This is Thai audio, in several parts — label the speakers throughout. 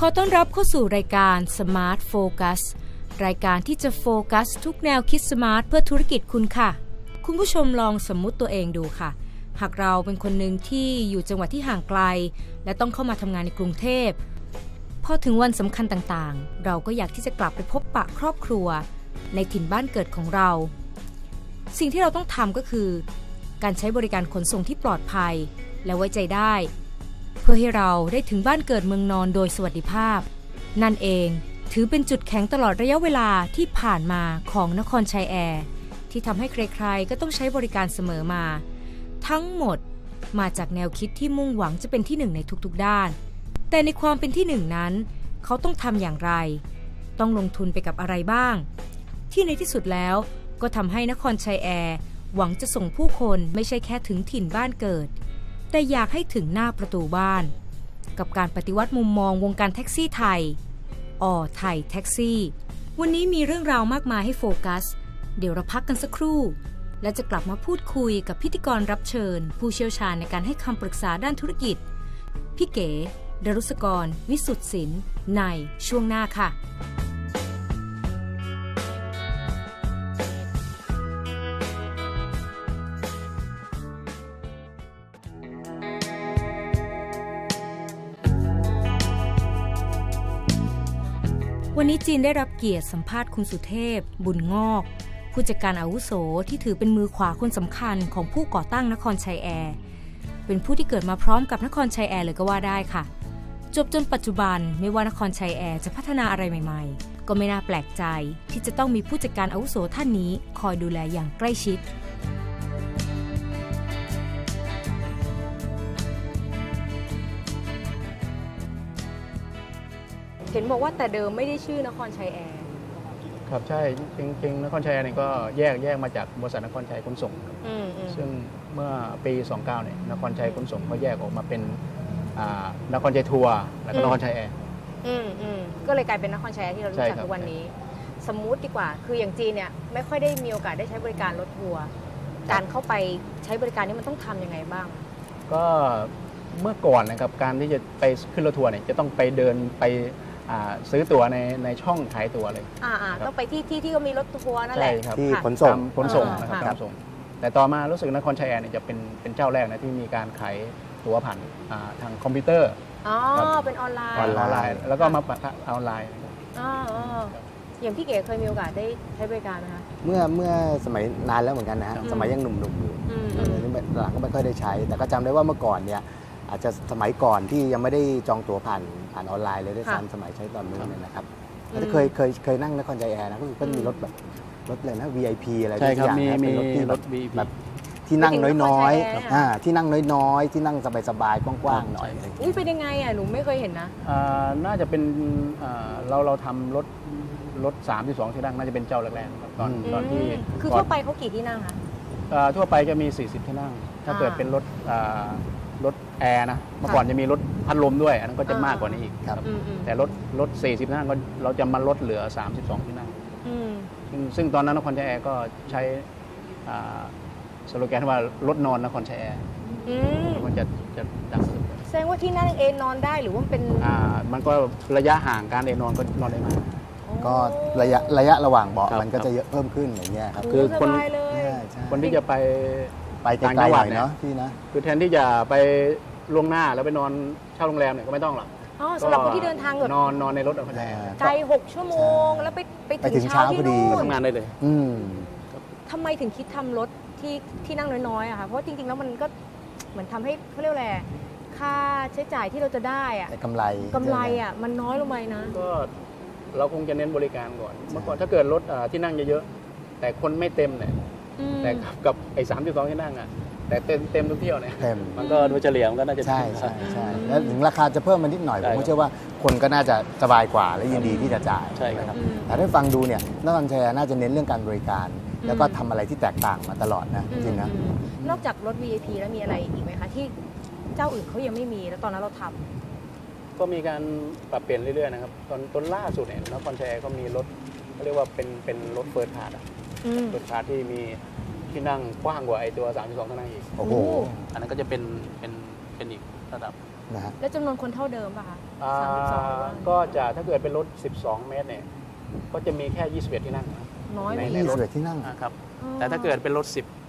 Speaker 1: อต้อนรับเข้าสู่รายการ Smart Focus รายการที่จะโฟกัสทุกแนวคิดสมาร์ทเพื่อธุรกิจคุณค่ะคุณผู้ชมลองสมมุติตัวเองดูค่ะหากเราเป็นคนหนึ่งที่อยู่จังหวัดที่ห่างไกลและต้องเข้ามาทำงานในกรุงเทพพอถึงวันสำคัญต่างๆเราก็อยากที่จะกลับไปพบปะครอบครัวในถิ่นบ้านเกิดของเราสิ่งที่เราต้องทำก็คือการใช้บริการขนส่งที่ปลอดภัยและไว้ใจได้เพื่อให้เราได้ถึงบ้านเกิดเมืองนอนโดยสวัสดิภาพนั่นเองถือเป็นจุดแข็งตลอดระยะเวลาที่ผ่านมาของนครชัยแอร์ที่ทำให้ใครๆก็ต้องใช้บริการเสมอมาทั้งหมดมาจากแนวคิดที่มุ่งหวังจะเป็นที่หนึ่งในทุกๆด้านแต่ในความเป็นที่หนึ่งนั้นเขาต้องทำอย่างไรต้องลงทุนไปกับอะไรบ้างที่ในที่สุดแล้วก็ทำให้นครชัยแอร์หวังจะส่งผู้คนไม่ใช่แค่ถึงถิ่นบ้านเกิดแต่อยากให้ถึงหน้าประตูบ้านกับการปฏิวัติมุมมองวงการแท็กซี่ไทยไทยแท็กซี่วันนี้มีเรื่องราวมากมายให้โฟกัสเดี๋ยวเราพักกันสักครู่และจะกลับมาพูดคุยกับพิธีกรรับเชิญผู้เชี่ยวชาญในการให้คำปรึกษาด้านธุรกิจพี่เก๋ดรุษกรวิสุทธิ์ศิลป์ในช่วงหน้าค่ะวันนี้จีนได้รับเกียรติสัมภาษณ์คุณสุเทพบุญงอกผู้จัดการอาวุโสที่ถือเป็นมือขวาคนสำคัญของผู้ก่อตั้งนครชัยแอร์เป็นผู้ที่เกิดมาพร้อมกับนครชัยแอร์เลยก็ว่าได้ค่ะจบจนปัจจุบันไม่ว่านครชัยแอร์จะพัฒนาอะไรใหม่ๆก็ไม่น่าแปลกใจที่จะต้องมีผู้จัดการอาวุโสท่านนี้คอยดูแลอย่างใกล้ชิดเห็นบอกว่าแต่เดิมไม่ได้ชื่อนครชัยแอร์
Speaker 2: ครับใช่จริงๆนครชัยแอร์นี่ก็แยกมาจากบริษัทนครชัยขนส่งครับซึ่งเมื่อปี29เนี่ยนครชัยขนส่งก็แยกออกมาเป็นนครชัยทัวร์แล้วก็นครชัยแอร์
Speaker 1: ก็เลยกลายเป็นนครชัยแอร์ที่เรารู้จักทุกวันนี้สมมุติดีกว่าคืออย่างจีนเนี่ยไม่ค่อยได้มีโอกาสได้ใช้บริการรถทัวร์การเข้าไปใช้บริการนี้มันต้องทำยังไงบ้าง
Speaker 2: ก็เมื่อก่อนนะครับการที่จะไปขึ้นรถทัวร์เนี่ยจะต้องไปเดินไปซื้อตั๋วในช่องขายตั๋วเลย
Speaker 1: ต้องไปที่ก็มีรถทัวร์นั่นแหละ
Speaker 2: ที่ขนส่งนะครับแต่ต่อมารู้สึกนครชัยแอร์เนี่ยจะเป็นเจ้าแรกนะที่มีการขายตั๋วผ่านทางคอมพิวเตอร์
Speaker 1: เป็นออนไลน์
Speaker 2: แล้วก็มาออนไลน์
Speaker 1: อย่างพี่เก๋เคยมีโอกาสได้ใช้บริการไหมคะ
Speaker 3: เมื่อสมัยนานแล้วเหมือนกันนะฮะสมัยยังหนุ่มๆอยู่หลังก็ไม่ค่อยได้ใช้แต่ก็จำได้ว่าเมื่อก่อนเนี่ยอาจจะสมัยก่อนที่ยังไม่ได้จองตั๋วผ่านออนไลน์เลยด้วยซ้ำสมัยใช้ตอนนู้นเนี่ยนะครับเคยนั่งนครชัยแอร์นะก็มีรถแบบรถเลยนะ VIP อะไรทุกอย่างนะเป็นรถที่แบบที่นั่งน้อยๆที่นั่งน้อยๆที่นั่งสบายๆกว้างๆหน่อย
Speaker 1: เป็นยังไงหนูไม่เคยเห็นนะ
Speaker 2: น่าจะเป็นเราทำรถ32ที่นั่งน่าจะเป็นเจ้าแรกๆครับตอนที่
Speaker 1: คือทั่วไปเขากี่ที่นั่งคะ
Speaker 2: ทั่วไปจะมี40ที่นั่งถ้าเกิดเป็นรถแอร์นะเมื่อก่อนจะมีรถพัดลมด้วยอันนั้นก็จะมากกว่านี้อีกครับแต่รถ40ที่นั่งก็เราจะมาลดเหลือ32ที่นั่งซึ่งตอนนั้นนครชัยแอร์ก็ใช้สโลแกนว่ารถนอนนครชัยแอร์มันจะดัง
Speaker 1: แสดงว่าที่นั่งเอนนอนได้หรือว่าเป็น
Speaker 2: มันก็ระยะห่างการเอนนอนก็นอนได้มาก
Speaker 3: ก็ระยะระหว่างเบาะมันก็จะเยอะเพิ่มขึ้นอย่างเงี้ยครับ
Speaker 2: คือคนที่จะไป
Speaker 3: ต่างจังหวัดเนาะที่นะ
Speaker 2: คือแทนที่จะไปล่วงหน้าแล้วไปนอนเช่าโรงแรมเนี่ยก็ไม่ต้องหรอก
Speaker 1: สำหรับคนที่เดินทาง
Speaker 2: นอนในรถ
Speaker 1: ไกล6 ชั่วโมงแล้วไปถึงเช้าที่นู่น
Speaker 2: ทำงานได้เลย
Speaker 1: ทำไมถึงคิดทำรถที่นั่งน้อยๆอะค่ะเพราะจริงๆแล้วมันก็เหมือนทำให้เขาเรียกอะไรค่าใช้จ่ายที่เราจะได้อะ
Speaker 3: กำไร
Speaker 1: อะมันน้อยลงไปนะ
Speaker 2: ก็เราคงจะเน้นบริการก่อนเมื่อก่อนถ้าเกิดรถที่นั่งเยอะๆแต่คนไม่เต็มเนี่ยแต่กับไอ้32ที่นั่งอะแต่เต็มทุกเที่ยวเนี่ยมันก็โดยเฉลี่ยมันก็น่าจะ
Speaker 3: ใช่แล้วถึงราคาจะเพิ่มมานิดหน่อยผมเชื่อว่าคนก็น่าจะสบายกว่าและยินดีที่จะจ่าย
Speaker 2: ใช่ครับ
Speaker 3: แต่ถ้าฟังดูเนี่ยนครชัยน่าจะเน้นเรื่องการบริการแล้วก็ทำอะไรที่แตกต่างมาตลอดนะจริงนะ
Speaker 1: นอกจากรถ VIP แล้วมีอะไรอีกไหมคะที่เจ้าอื่นเขายังไม่มีแล้วตอนนั้นเราทำ
Speaker 2: ก็มีการปรับเปลี่ยนเรื่อยๆนะครับตอนล่าสุดเนี่ยนครชัยก็มีรถเขาเรียกว่าเป็นรถเฟิร์สคลาสเฟิร์สคลาสที่มีที่นั่งกว้างกว่าไอ้ตัว32ที่นั่งอีก
Speaker 3: โอ้โห
Speaker 2: อันนั้นก็จะเป็นเป็นอีกระดับ
Speaker 3: นะฮะ
Speaker 1: แล้วจำนวนคนเท่าเดิมป่ะคะ
Speaker 2: อ่า
Speaker 1: 32หรือว่า
Speaker 2: ก็จะถ้าเกิดเป็นรถ 12 เมตรเนี่ยก็จะมีแค่ 21 ที่นั่งนะครับ
Speaker 1: น้อย
Speaker 2: ใน
Speaker 1: ไป
Speaker 2: รถ
Speaker 3: 21 ที่นั่ง
Speaker 2: ครับแต่ถ้าเกิดเป็นรถ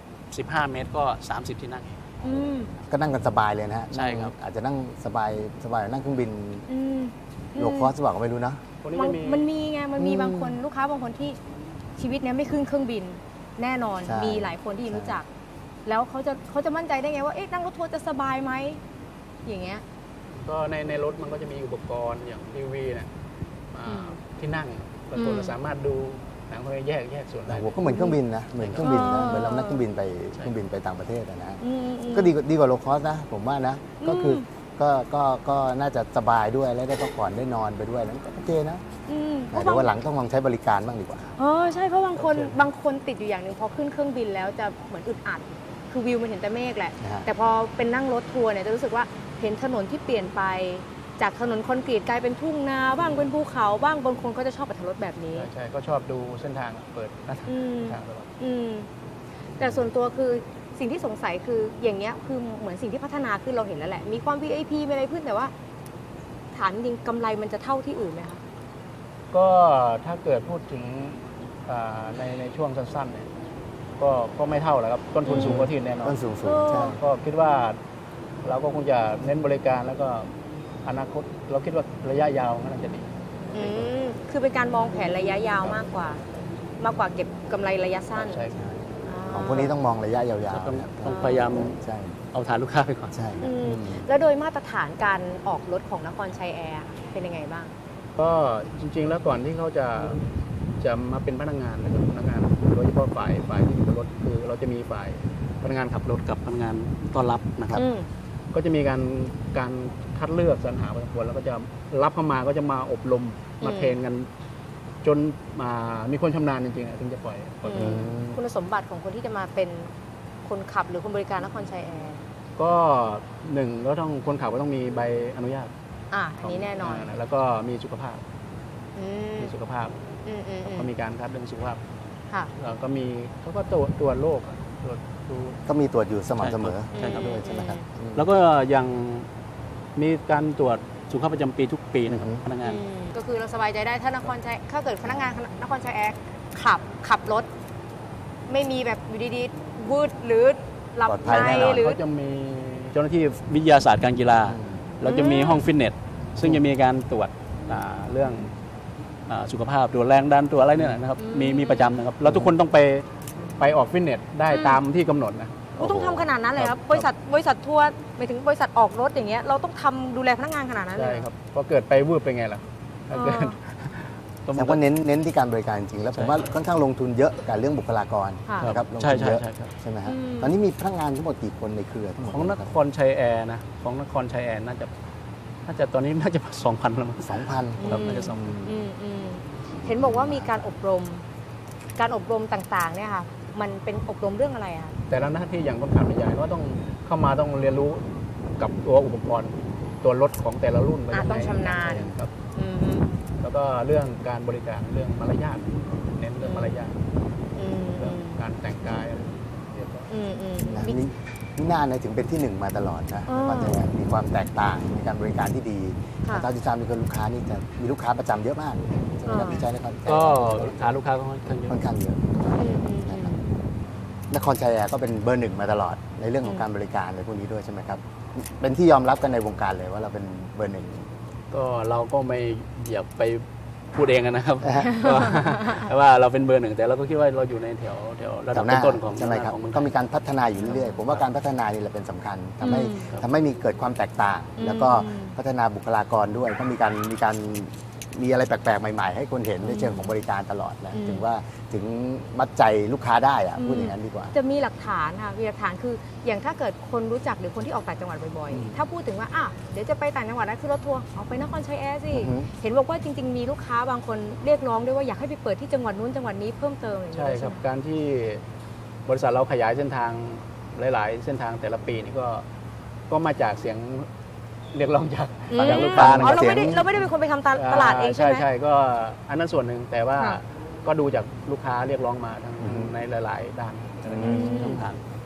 Speaker 2: 15 เมตรก็ 30 ที่นั่ง
Speaker 1: อืม
Speaker 3: ก็นั่งกันสบายเลยนะฮะ
Speaker 2: ใช่ครับ
Speaker 3: อาจจะนั่งสบายนั่งเครื่องบิน
Speaker 1: อืม
Speaker 3: โลคอสบอกก็ไม่รู้นะ
Speaker 2: ตัวนี้
Speaker 1: มัน
Speaker 2: จะมี
Speaker 1: มันมีไงมันมี
Speaker 3: อืม
Speaker 1: บางคนลูกค้าบางคนที่ชีวิตเนี้ยไม่ขึ้นเครื่องบินแน่นอน
Speaker 3: ใช่
Speaker 1: มีหลายคนที่
Speaker 3: ใช่
Speaker 1: รู้จัก แล้วเขาจะมั่นใจได้ไงว่าเอ๊ะนั่งรถทัวร์จะสบายไหมอย่างเงี้ย
Speaker 2: ก็ในรถมันก็จะมีอุปกรณ์อย่างทีวีเนี่ย
Speaker 1: อืม
Speaker 2: ที่นั่งบางคนเราสามารถดูหนังเขาแยกส่วนได้
Speaker 3: โอ้โหก็เหมือนเครื่องบินนะเหมือนเครื่องบินนะ
Speaker 1: อ๋อ
Speaker 3: เหมือนเรานั่งเครื่องบินไป
Speaker 2: ใช่
Speaker 3: เครื่องบินไปต่างประเทศอะนะ
Speaker 1: อืม
Speaker 3: ก็ดีกว่าโลคอสนะผมว่านะ ก็คือก็น่าจะสบายด้วยแล้วได้พักผ่อนได้นอนไปด้วยนั้นก็โอเคนะ
Speaker 1: อืมเพ
Speaker 3: แต่
Speaker 1: ราะ
Speaker 3: ว่าหลังต้องลองใช้บริการบ้างดีกว่า
Speaker 1: ใช่เพราะบางคนติดอยู่อย่างหนึ่งพอขึ้นเครื่องบินแล้วจะเหมือนอึดอัดคือวิวมันเห็นแต่เมฆแหละ
Speaker 3: นะฮะ
Speaker 1: แต่พอเป็นนั่งรถทัวร์เนี่ยจะรู้สึกว่าเห็นถนนที่เปลี่ยนไปจากถนนคอนกรีตกลายเป็นทุ่งนาบ้างเป็นภูเขาบ้างบางคนก็จะชอบอัตรถรสแบบนี้
Speaker 2: ใช่ก็ชอบดูเส้นทางเปิดหน้า
Speaker 1: อืม
Speaker 2: ทางตลอด
Speaker 1: อืมแต่ส่วนตัวคือสิ่งที่สงสัยคืออย่างเงี้ยคือเหมือนสิ่งที่พัฒนาขึ้นเราเห็นแล้วแหละ มีความ VIP มีอะไรขึ้นแต่ว่า ฐานจริงกำไรมันจะเท่าที่อื่นไหมคะ
Speaker 2: ก็ถ้าเกิดพูดถึงในช่วงสั้นๆเนี่ยก็ไม่เท่าแล้วครับต้นทุนสูงกว่าที่อื่นแน่นอน
Speaker 3: ต้นสูง
Speaker 1: เออ
Speaker 3: ใช่
Speaker 2: ก็คิดว่าเราก็คงจะเน้นบริการแล้วก็อนาคตเราคิดว่าระยะยาวก็น่าจะดี
Speaker 1: คือเป็นการมองแผนระยะยาวมากกว่า เก็บกำไรระยะสั้น
Speaker 2: ใช่ครับ
Speaker 3: ของพวกนี้ต้องมองระยะยาว
Speaker 2: ต้อง
Speaker 3: ๆนะ
Speaker 2: ต้องพยายาม
Speaker 3: ใช่
Speaker 2: เอาฐานลูกค้าไปก่อน
Speaker 3: ใช่
Speaker 1: อืมแล้วโดยมาตรฐานการออกรถของนครชัยแอร์เป็นยังไงบ้าง
Speaker 2: ก็จริงๆแล้วก่อนที่เขาจะมาเป็นพนักงานนะครับพนักงานโดยเฉพาะฝ่ายที่อยู่บนรถคือเราจะมีฝ่ายพนักงานขับรถกับพนักงานต้อนรับนะครับ ก็จะมีการคัดเลือกสรรหาพอสมควรแล้วก็จะรับเข้ามาก็จะมาอบรมมาเทรนกัน จนมามีคนชำนาญจริงๆถึงจะปล่อย
Speaker 1: อืม คุณสมบัติของคนที่จะมาเป็นคนขับหรือคนบริการนครชัยแอร์
Speaker 2: ก็หนึ่งก็ต้องคนขับก็ต้องมีใบอนุญาต
Speaker 1: อันนี้แน่นอน
Speaker 2: แล้วก็มีสุขภาพ
Speaker 1: อืม
Speaker 2: มีสุขภาพ ก็มีการคัดเรื่องสุขภาพ
Speaker 1: ค่ะ
Speaker 2: แล้วก็มีเขาก็ตรวจโรคตรวจดู
Speaker 3: ก็มีตรวจอยู่สม่ำเสมอ
Speaker 2: ใช่ครับ
Speaker 3: ด้วยใช่ไหมครับ
Speaker 2: แล้วก็ยังมีการตรวจสุขภาพประจำปีทุกปีนะครับ
Speaker 3: อือฮึ
Speaker 2: พนักงาน
Speaker 1: ก็คือเราสบายใจได้ถ้าเกิดพนักงานนครชัยแอร์ขับรถ ไม่มีแบบอยู่ดีๆวืดหรือหลับ
Speaker 3: ปลอดภั
Speaker 1: ใน
Speaker 3: ยแน่นอน
Speaker 1: หรือ
Speaker 2: เขาจะมีเจ้าหน้าที่วิทยาศาสตร์การกีฬา เราจะมีห้องฟิตเนส ซึ่งจะมีการตรวจเรื่องสุขภาพตรวจแรงดันตรวจอะไรเนี่ยนะครับ มีประจำนะครับ แล้วทุกคนต้องไปออกฟิตเนสได้ตามที่กำหนดนะ
Speaker 1: ต้องทำขนาดนั้นเลยครับ บริษัททัวร์หมายถึงบริษัทออกรถอย่างเงี้ยเราต้องทำดูแลพนักงานขนาดนั้นเล
Speaker 2: ใช่
Speaker 1: ย
Speaker 2: ครับพอเกิดไปวืบเป็นไงล่ะถ้าเกิด
Speaker 3: แต่ว่าเน้นที่การบริการจริงๆแล้วผมว่าค่อนข้างลงทุนเยอะกับเรื่องบุคลากร
Speaker 1: ค่ะ
Speaker 3: นะครับลง
Speaker 2: ใช่
Speaker 3: ทุน
Speaker 2: ใช่
Speaker 3: เยอะ
Speaker 2: ใช่ครับ
Speaker 3: ใช่ไหมฮะ
Speaker 1: อืม
Speaker 3: ตอนนี้มีพนักงานทั้งหมดกี่คนในเครือทั้งหมด
Speaker 2: ของนครชัยแอร์นะของนครชัยแอร์น่าจะตอนนี้น่าจะ 2,000แล้วมั้ง
Speaker 3: 2,000
Speaker 2: ครับน่าจะ2,000
Speaker 1: อืมเห็นบอกว่ามีการอบรมต่างๆเนี่ยค่ะ มันเป็นอบรมเรื่องอะไรอ่ะ
Speaker 2: แต่ละหน้าที่อย่างคนขับใหญ่ก็ต้องเข้ามาต้องเรียนรู้กับตัวอุปกรณ์ตัวรถของแต่ละรุ่นว่ายังไง
Speaker 1: ต้องชำนาญ
Speaker 2: ครับ
Speaker 1: อืม
Speaker 2: แล้วก็เรื่องการบริการเรื่องมารยาทเน้นเรื่องมารยาท
Speaker 1: อืม
Speaker 2: เรื่องการแต่งกายอะไรเรียบร้อย
Speaker 3: นะนี่น่าเนี่ยถึงเป็นที่หนึ่งมาตลอดนะ
Speaker 1: อ๋อ
Speaker 3: ก็จะมีความแตกต่างมีการบริการที่ดี
Speaker 1: ค่ะ
Speaker 3: ตามที่ทราบมีคนลูกค้านี่จะมีลูกค้าประจำเยอะมากใช่ไหมครับ
Speaker 1: อ่า
Speaker 3: ที่ใช้นคร
Speaker 2: ก็ฐานลูกค้าก็ค่อนข้างเยอะ
Speaker 3: ค่อนข้างเยอะ นะครับ นครชัยแอร์ก็เป็นเบอร์หนึ่งมาตลอดในเรื่องของการบริการในพวกนี้ด้วยใช่ไหมครับเป็นที่ยอมรับกันในวงการเลยว่าเราเป็นเบอร์หนึ่ง
Speaker 2: ก็เราก็ไม่อยากไปพูดเองนะครับก็แต่ว่าเราเป็นเบอร์หนึ่งแต่เราก็คิดว่าเราอยู่ในแถวระดับ
Speaker 3: แถวหน้า
Speaker 2: ต้นๆของ
Speaker 3: ใช่ไหมครับ
Speaker 2: ของเมืองไท
Speaker 3: ก็
Speaker 2: ย
Speaker 3: มีการพัฒนาอยู่เรื่อยๆผมว่าการพัฒนานี่แหละเป็นสำคัญทำให้
Speaker 1: อืม
Speaker 3: ทำให้มีเกิดความแตกต่าง แล้วก็พัฒนาบุคลากรด้วยก็มีอะไรแปลกๆใหม่ๆ ให้คนเห็นในเชิงของบริการตลอดนะถึงมัดใจลูกค้าได้อะพูดอย่างนั้นดีกว่า
Speaker 1: จะมีหลักฐานค่ะมีหลักฐานคืออย่างถ้าเกิดคนรู้จักหรือคนที่ออกต่างจังหวัดบ่อยๆ ถ้าพูดถึงว่าเดี๋ยวจะไปต่างจังหวัดนะคือรถทัวร์เอาไปนครชัยแอร์สิ
Speaker 3: อือฮึ
Speaker 1: เห็นบอกว่าจริงๆมีลูกค้าบางคนเรียกร้องด้วยว่าอยากให้ไปเปิดที่จังหวัดนู้นจังหวัดนี้เพิ่มเติมอย่าง
Speaker 2: ใช่
Speaker 1: เงี้ย
Speaker 2: ครับ
Speaker 1: ไหม
Speaker 2: การที่บริษัทเราขยายเส้นทางหลาย ๆ เส้นทางแต่ละปีนี่ก็มาจากเสียงเรียกร้องจากลูกค้านะ
Speaker 1: อ๋
Speaker 2: ค
Speaker 1: อ
Speaker 2: รับ
Speaker 1: เราไม่ได้เป็นคนไปทำตลาดเองใช่ไหม
Speaker 2: ใช่ก็อันนั้นส่วนหนึ่งแต่ว่า
Speaker 1: ค่ะ
Speaker 2: ก็ดูจากลูกค้าเรียกร้องมาทั้งในหลาย ๆ ด้าน
Speaker 3: อืม
Speaker 2: ช่องทาง
Speaker 3: นะ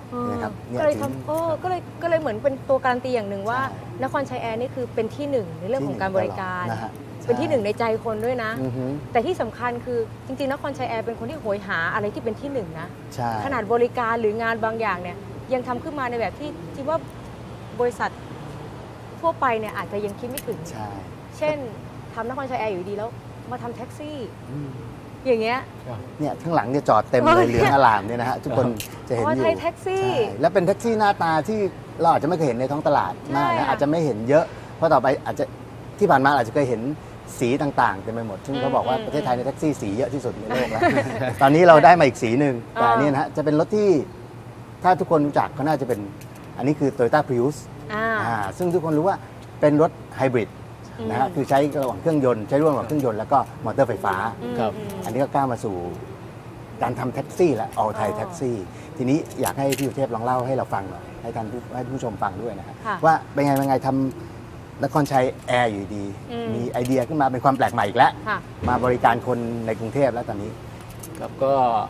Speaker 3: นะครับเนี่ย
Speaker 1: ก็เลย
Speaker 3: ถึง
Speaker 1: ทำก็เลยเหมือนเป็นตัวการันตีอย่างหนึ่งว่า
Speaker 3: ใช่
Speaker 1: นครชัยแอร์นี่คือเป็นที่หนึ่งในเรื่องของการบริการ
Speaker 3: นะฮะ
Speaker 1: เป็นที่หนึ่งในใจคนด้วยนะ
Speaker 3: อือฮึ
Speaker 1: แต่ที่สำคัญคือจริงๆนครชัยแอร์เป็นคนที่โหยหาอะไรที่เป็นที่หนึ่งนะ
Speaker 3: ใช่
Speaker 1: ขนาดบริการหรืองานบางอย่างเนี่ยยังทำขึ้นมาในแบบที่คิดว่าบริษัททั่วไปเนี่ยอาจจะยังคิดไม่ถึง
Speaker 3: ใช่
Speaker 1: เช่นทำนครชัยแอร์อยู่ดีแล้วมาทำแท็กซี่
Speaker 3: อืม
Speaker 1: อย่างเงี้ย
Speaker 3: เนี่ยข้างหลังเนี่ยจอดเต็มเลยเหลืองอลามเนี่ยนะฮะทุกคนจะเห็น
Speaker 1: อ๋อ
Speaker 3: อยู่
Speaker 1: ไทยแท็กซี่
Speaker 3: ใช่แล้วเป็นแท็กซี่หน้าตาที่เราอาจจะไม่เคยเห็นในท้องตลาดมาก
Speaker 1: ใช่
Speaker 3: นะ
Speaker 1: ค่ะ
Speaker 3: อาจจะไม่เห็นเยอะ เพราะต่อไปอาจจะที่ผ่านมาอาจจะเคยเห็นสีต่างๆเต็มไปหมด ซึ่งเขาบอกว่าประเทศไทยในแท็กซี่สีเยอะที่สุดในโลกแล้ว ตอนนี้เราได้มาอีกสีหนึ่งแต่อันนี้นะฮะจะเป็นรถที่ถ้าทุกคนรู้จักก็น่าจะเป็นอันนี้คือ Toyota Prius ซึ่งทุกคนรู้ว่าเป็นรถไฮบริดนะฮะคือใช้ระหว่างเครื่องยนต์ใช้ร่วมระหว่างเครื่องยนต์แล้วก็มอเตอร์ไฟฟ้า
Speaker 2: ครับ
Speaker 3: อันนี้ก็ก้าวมาสู่การทำแท็กซี่และออลไทยแท็กซี่ทีนี้อยากให้พี่สุเทพลองเล่าให้เราฟังหน่อยให้ท่านผู้ชมฟังด้วยนะฮะ
Speaker 1: ค่ะ
Speaker 3: ว่าเป็นไงทำนครชัยแอร์อยู่ดี มีไอเดียขึ้นมาเป็นความแปลกใหม่อีกแล้ว
Speaker 1: ค่ะ
Speaker 3: มาบริการคนในกรุงเทพแล้วตอนนี้
Speaker 2: ครับก็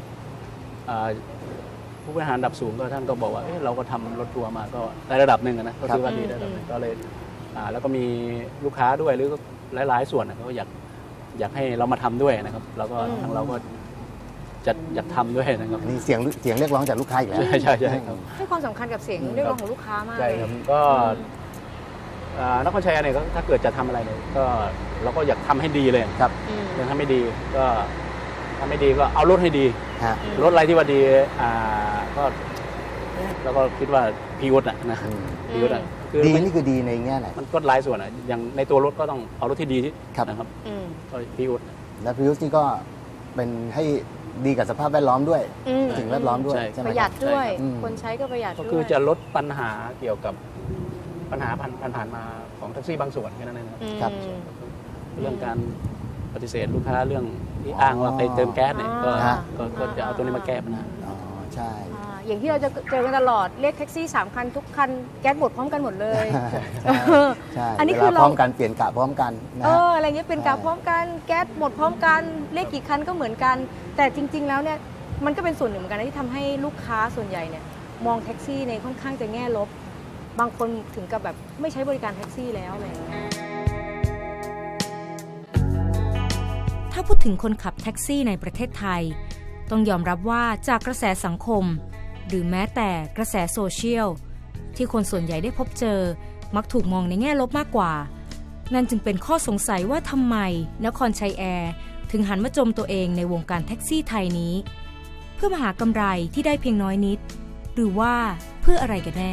Speaker 2: ผู้บริหารระดับสูงก็ท่านก็บอกว่าเราก็ทำรถทัวร์มาก็ได้ระดับหนึ่งนะก็คือว่าดีได้ระดับหนึ่งก็เลยแล้วก็มีลูกค้าด้วยหรือหลายๆส่วนเขาก็อยากให้เรามาทำด้วยนะครับแล้วก็ทางเราก็จะอยากทำด้วยนะครับ
Speaker 3: อันนี้เสียงเรียกร้องจากลูกค้าอีกแล้ว
Speaker 2: ใช่ครับ
Speaker 1: ให้ความสำคัญกับเสียงเรียกร้องของลูกค้ามาก
Speaker 2: ใช่
Speaker 1: เลย
Speaker 2: ครับก็นครชัยเนี่ยก็ถ้าเกิดจะทำอะไรเนี่ยก็เราก็อยากทำให้ดีเลย
Speaker 3: ครับ
Speaker 2: อยากทำให้ดีก็ทำให้ดีก็เอารถให้ดี
Speaker 3: ฮะ
Speaker 2: รถอะไรที่ว่าดีก็เราก็คิดว่าพีอุดนะพีอุดคือ
Speaker 3: ดีนี่คือดีในแง่ไหน
Speaker 2: มันก็หลายส่วนอย่างในตัวรถก็ต้องเอารถที่ดีที่
Speaker 3: ครับ
Speaker 2: นะครับก็พีอุด
Speaker 3: และพริวส์นี่ก็เป็นให้ดีกับสภาพแวดล้อมด้วยสิ่งแวดล้อมด้วยใช่ไหม
Speaker 1: ประหยัดด้วย
Speaker 3: ใช่ครับ
Speaker 1: คนใช้ก็ประหยัด
Speaker 2: ก็
Speaker 1: ด้วย
Speaker 2: คือจะลดปัญหาเกี่ยวกับปัญหาผ่านมาของแท็กซี่บางส่วนแค่นั้นเองครับ
Speaker 3: ครับ
Speaker 2: เรื่องการปฏิเสธลูกค้าเรื่องที่อ้างว่าไปเติมแก๊สเนี่ยก็จะเอาตัวนี้มาแก้ปัญหา
Speaker 3: อ๋อใช่
Speaker 1: อย่างที่เราจะเจอกันตลอดเรียกแท็กซี่3 คันทุกคันแก๊สหมดพร้อมกันหมดเลย
Speaker 3: ใช่
Speaker 1: อันนี้
Speaker 3: เว
Speaker 1: คือ
Speaker 3: ลา
Speaker 1: เรา
Speaker 3: พร้อมกันเปลี่ยนกะพร้อมกันนะฮะ
Speaker 1: อะไรเงี้ยเป็นกะพร้อมกันแก๊สหมดพร้อมกันเลขกี่คันก็เหมือนกัน แต่จริง ๆ แล้วเนี่ยมันก็เป็นส่วนหนึ่งเหมือนกันนะที่ทำให้ลูกค้าส่วนใหญ่เนี่ยมองแท็กซี่ในค่อนข้างจะแง่ลบบางคนถึงกับแบบไม่ใช้บริการแท็กซี่แล้วอะไรอย่างเงี้ยถ้าพูดถึงคนขับแท็กซี่ในประเทศไทยต้องยอมรับว่าจากกระแสสังคมหรือแม้แต่กระแสโซเชียลที่คนส่วนใหญ่ได้พบเจอมักถูกมองในแง่ลบมากกว่านั่นจึงเป็นข้อสงสัยว่าทำไมนครชัยแอร์ถึงหันมาจมตัวเองในวงการแท็กซี่ไทยนี้เพื่อมาหากำไรที่ได้เพียงน้อยนิดหรือว่าเพื่ออะไรกันแน่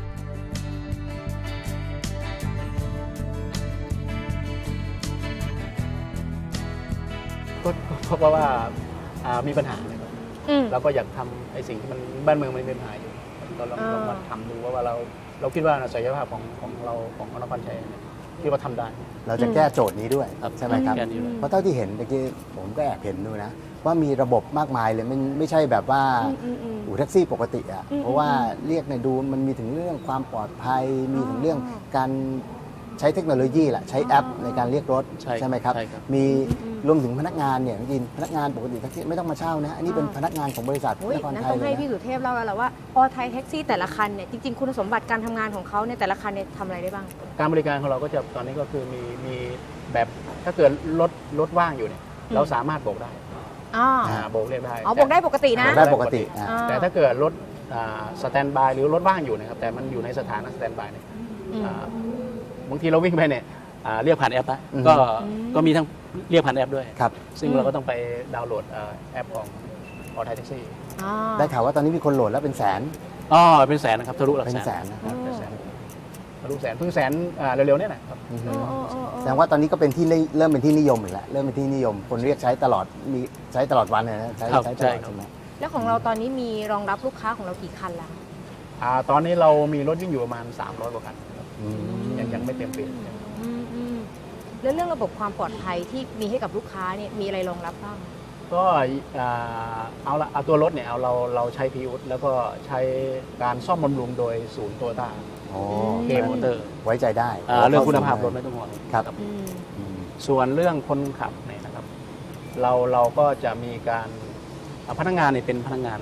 Speaker 2: ก็เพราะว่ามีปัญหานะครับเราก็อยากทำไอ้สิ่งที่มันบ้านเมืองมันมีปัญหาอยู่ก็ลองมาทำดูว่าเราคิดว่าศักยภาพของเราของนครชัยเนี่ยคิดว่าทำได้
Speaker 3: เราจะแก้โจทย์นี้ด้วยใช่ไหมครับ
Speaker 2: แก้นี้ด้วย
Speaker 3: เพราะเท่าที่เห็นเมื่อกี้ผมก็แอบเห็นดูนะว่ามีระบบมากมายเลยไม่ใช่แบบว่าอู่แท็กซี่ปกติอ่ะเพราะว่าเรียกในดูมันมีถึงเรื่องความปลอดภัยมีถึงเรื่องการใช้เทคโนโลยีแหละใช้แอปในการเรียกรถใช่ไหมครับมีรวมถึงพนักงานเนี่ยจริงพนักงานปกติแท็กซี่ไม่ต้องมาเช่านะอันนี้เป็นพนักงานของบริษัทนครไทย
Speaker 1: ต้อง
Speaker 3: เล
Speaker 1: ให้
Speaker 3: ย
Speaker 1: พี่
Speaker 3: นะ
Speaker 1: สุเทพเล่าแล้วแหละว่าออไทยแท็กซี่แต่ละคันเนี่ยจริงๆคุณสมบัติการทำงานของเขาเนี่ยแต่ละคันเนี่ยทำอะไรได้บ้าง
Speaker 2: การบริการของเราก็จะตอนนี้ก็คือมีแบบถ้าเกิดรถว่างอยู่เนี่ยเราสามารถโบกได้โบกเรียกได้
Speaker 1: อ๋อบอกได้ปกตินะ
Speaker 3: บอกได้ปกติ
Speaker 2: แต่ถ้าเกิดรถสแตนบายหรือรถว่างอยู่นะครับแต่มันอยู่ในสถานะสแตนบายเนี่ยบางทีเราวิ่งไปเนี่ยเรียกผ่านแอปได้ก็มีทั้งเรียกผ่านแอปด้วย
Speaker 3: ครับ
Speaker 2: ซึ่งเราก็ต้องไปดาวน์โหลดแอปของออไทยแท็กซี่
Speaker 3: ได้ข่าวว่าตอนนี้มีคนโหลดแล้วเป็นแสน
Speaker 2: เป็นแสนนะครับทะลุหลัก
Speaker 3: เป็น
Speaker 2: แส
Speaker 3: แส
Speaker 2: น
Speaker 3: นนะครับ
Speaker 2: เป็นแสนทะลุแสนเพิ่งแสนเร็วๆเนี่ยนะครับ
Speaker 3: แสดงว่าตอนนี้ก็เป็นที่เริ่มเป็นที่นิยมอีกแล้วเริ่มเป็นที่นิยมคนเรียกใช้ตลอดมีใช้ตลอดวันเลยนะใช้ตลอดใช่ไหม
Speaker 1: แล้วของเราตอนนี้มีรองรับลูกค้าของเรากี่คันแล้ว
Speaker 2: ตอนนี้เรามีรถวิ่งอยู่ประมาณ300กว่าคันครับยังไม่เต็มเปี่ยม
Speaker 1: แล้วเรื่องระบบความปลอดภัยที่มีให้กับลูกค้าเนี่ยมีอะไรรองรับบ้าง
Speaker 2: ก็เอาตัวรถเนี่ยเราใช้พีอุดแล้วก็ใช้การซ่อมบำรุงโดยศูนย์โตโยต้า เคมอเตอร์
Speaker 3: ไว้ใจได้
Speaker 2: เรื่องคุณภาพรถไม่ต้องห่วง
Speaker 3: ครับ
Speaker 2: ส่วนเรื่องคนขับเนี่ยนะครับเราก็จะมีการพนักงานเนี่ยเป็นพนักงาน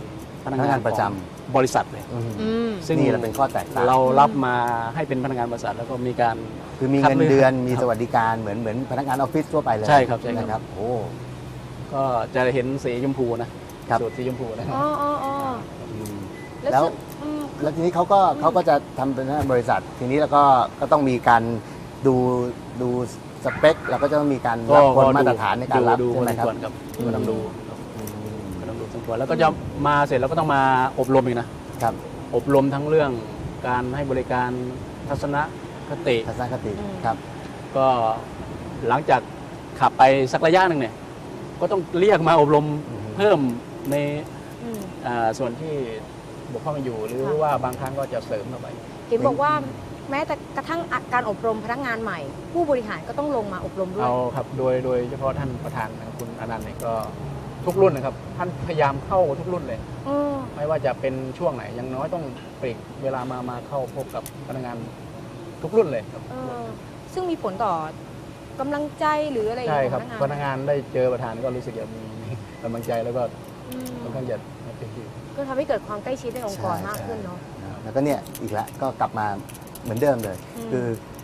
Speaker 2: นัก
Speaker 3: พนักาน น
Speaker 2: งางข
Speaker 3: ประจ
Speaker 2: องบริษัทเลย
Speaker 3: ำอืม
Speaker 1: อืม
Speaker 2: ซึ่ง
Speaker 3: นี่แหละเป็นข้อแตกต่าง
Speaker 2: เรารับมาให้เป็นพนักงานบริษัทแล้วก็มีการ
Speaker 3: คือมี
Speaker 2: คัด
Speaker 3: เงิน
Speaker 2: เลือก
Speaker 3: เดือนมี
Speaker 2: ครับ
Speaker 3: สวัสดิการเหมือนพนักงานออฟฟิศทั่วไปเลย
Speaker 2: ใช่ครับใช่ครับ
Speaker 3: นะครับโอ้
Speaker 2: ก็จะเห็นสีชมพูนะครับ สูตรสีชมพูนะ
Speaker 1: อ๋ออ๋ออ๋อ
Speaker 3: อืม
Speaker 1: แล้ว
Speaker 3: แล้ว
Speaker 1: ซึ่งอืม
Speaker 3: แล้วทีนี้เขาก็จะทำเป็นพนักงานบริษัท ทีนี้แล้วก็ต้องมีการดูสเปคแล้วก็จะต้องมีการรับคนมาตรฐานในการรับ
Speaker 2: ดู
Speaker 3: ใช่ไหมครับ
Speaker 2: ส่วนครับก็ต้องดู
Speaker 3: อืม
Speaker 2: ก็ต้องดูสมควรแล้วก็จะมาเสร็จแล้วก็ต้องมาอบรมอีกนะครับ อบรมทั้งเรื่องการให้บริการทัศนคติ
Speaker 3: ทัศนคติครับ
Speaker 2: ก็หลังจากขับไปสักระยะหนึ่งเนี่ยก็ต้องเรียกมาอบรม
Speaker 3: อืม
Speaker 2: เพิ่มใน
Speaker 1: อืม
Speaker 2: ส่วนที่บกพร่องอยู่หรือ
Speaker 1: ค่ะ
Speaker 2: ว่าบางครั้งก็จะเสริมเข้าไป
Speaker 1: เห็นบอกว่าแม้แต่กระทั่งการอบรมพนักงานใหม่ ผู้บริหารก็ต้องลงมาอบรมด้วย
Speaker 2: เอาครับโดยเฉพาะท่านประธานนะครับคุณอนันต์เนี่ยก็ทุกรุ่นนะครับท่านพยายามเข้าทุกรุ่นเลย
Speaker 1: เออ
Speaker 2: ไม่ว่าจะเป็นช่วงไหนอยังน้อยต้องปลีกเวลามาเข้าพบกับพนักงานทุกรุ่นเลยครับ
Speaker 1: เออซึ่งมีผลต่อกำลังใจหรืออะไรอย่าง
Speaker 2: ใช่
Speaker 1: เงี้ย
Speaker 2: ครับ
Speaker 1: ของ
Speaker 2: พนักงานได้เจอประธานก็รู้สึกจะมีกำลังใจแล้วก็
Speaker 1: อืม
Speaker 2: ค่อนข้างจะเป็น
Speaker 1: ก็ทำให้เกิดความใกล้ชิดในองค์กร
Speaker 3: ใช่
Speaker 1: มากขึ้นเนาะ
Speaker 3: แล้วก็เนี่ยอีกแล้วก็กลับมาเหมือนเดิมเลย
Speaker 1: อืม
Speaker 3: คือ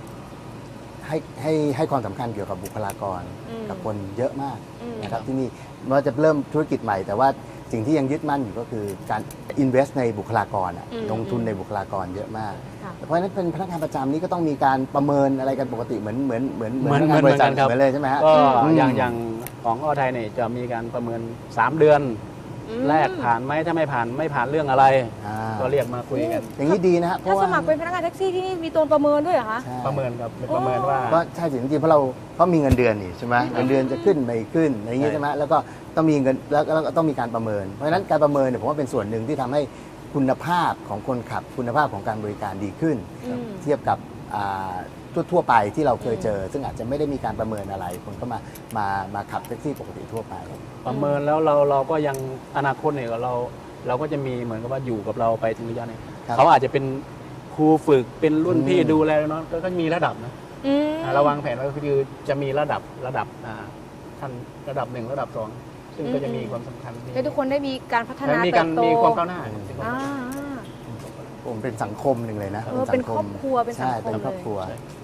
Speaker 3: ให้ความสำคัญเกี่ยวกับบุคลากร
Speaker 1: อืม
Speaker 3: กับคนเยอะมาก
Speaker 1: อืม
Speaker 3: นะครับที่นี่มันจะเริ่มธุรกิจใหม่ แต่ว่าสิ่งที่ยังยึดมั่นอยู่ก็คือการ invest ในบุคลากรอะ
Speaker 1: อืม
Speaker 3: ลงทุนในบุคลากรเยอะมาก
Speaker 1: ค่ะ
Speaker 3: เพราะฉะนั้นเป็นพนักงานประจำนี่ก็ต้องมีการประเมินอะไรกันปกติเหมือนพนัก
Speaker 2: เห
Speaker 3: งาน
Speaker 2: มื
Speaker 3: บ
Speaker 2: อน
Speaker 3: ริษัท
Speaker 2: กันครับ
Speaker 3: เหมือนเลยใช่ไหมฮะ
Speaker 2: ก็
Speaker 3: อืม
Speaker 2: อย่างของอ้อไทยเนี่ยจะมีการประเมิน 3 เดือน
Speaker 1: อืม
Speaker 2: แรกผ่านไหมถ้าไม่ผ่านเรื่องอะไร
Speaker 3: อ่า
Speaker 2: ก็เรียกมาคุยกัน
Speaker 3: อย่างนี้ดีนะฮะเพ
Speaker 1: ถ้า
Speaker 3: ราะ
Speaker 1: ส
Speaker 3: ว่า
Speaker 1: มัครเป็นพนักงานแท็กซี่ที่นี่มีตัวประเมินด้วยเหรอคะ
Speaker 3: ใช่
Speaker 2: ประเมินครับเป็นประเมินว่า
Speaker 3: ก็ใช่จริงๆเพราะมีเงินเดือนนี่ใช่ไหมเงินเดือนจะขึ้นไม่ขึ้นอะไรอย่างงี้
Speaker 2: ใช่
Speaker 3: ใช่ไหมแล้วก็ต้องมีเงินแล้วก็ต้องมีการประเมิน เพราะฉะนั้นการประเมินเนี่ยผมว่าเป็นส่วนหนึ่งที่ทำให้คุณภาพของคนขับคุณภาพของการบริการดีขึ้น
Speaker 1: อืม
Speaker 3: เทียบกับทั่วไปที่เราเคยเจอ ซึ่งอาจจะไม่ได้มีการประเมินอะไรคนก็มาขับแท็กซี่ปกติทั่วไป
Speaker 2: ประเมินแล้วเราก็ยังอนาคตเนี่ยเราก็จะมีเหมือนกับว่าอยู่กับเราไปถึงระยะหนึง
Speaker 3: ครับ
Speaker 2: เขาอาจจะเป็นครูฝึกเป็นรุ่นพี่
Speaker 3: อืม
Speaker 2: ดูแลน้องก็มีระดับนะ
Speaker 1: อืม
Speaker 2: เราวางแผนไว้ก็คือจะมีระดับขั้นระดับ 1 ระดับ 2 ซึ่งก็จะมีความสำคัญ
Speaker 1: ให้ทุกคนได้มีการพัฒนา
Speaker 2: มี
Speaker 1: เติ
Speaker 2: การ
Speaker 1: บโต
Speaker 2: มีความก้าวหน้า
Speaker 1: อ่า
Speaker 3: ผมเป็นสังคมหนึ่งเลยนะ
Speaker 1: เออเป็นครอบครัวเป็นสังคม
Speaker 3: ใช่เป็นครอบ
Speaker 1: เลย
Speaker 3: ครัว
Speaker 2: ใช่